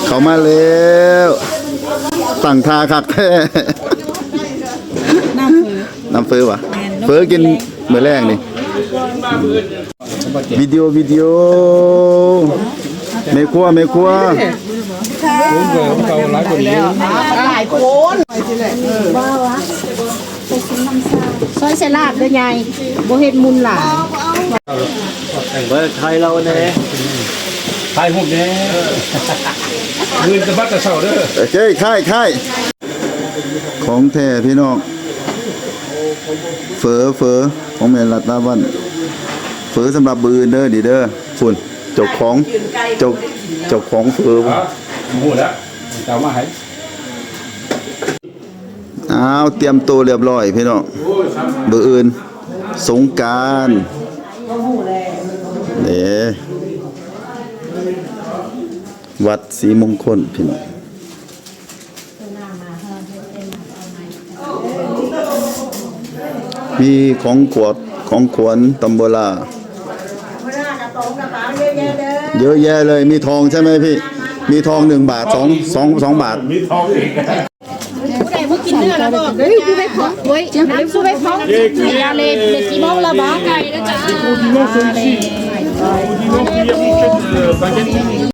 เขามาแล้วตั้งทาคักแท้ น้ำเฟอวะเฟอกินเมื่อแรกนี่วิดีโอไม่ครัวหลายคนบ้าวะซอยเสลาดด้วยไงโบเฮ็ดมุนหลายเมื่อไทยเราเนี่ยไทยหุ่นเนี่ยเงินจะบัดจะเศร้าเด้อโอเคค่ายของแท้พี่น้องเฟอของแม่รัตนาวันเฟอสำหรับบืนเด้อดีเด้อฝุ่นเจ้าของเฟอหมูแล้วจะมาให้อ้าวเตรียมตัวเรียบร้อยพี่น้องเบอร์อื่นสงกรานต์นี่วัดศรีมงคลพี่น้องมีของขวัญตำโบลาเยอะแยะเลยมีทองใช่ไหมพี่มีทอง1 บาท2 บาทมีทองอีกผู้ใดเมื่อกินเนื้อแล้วบอกเฮ้ยผู้ใดของเฮ้ยผู้ใดของยาเล็กกี่โมงแล้วบ้าไก่นะจ๊ะ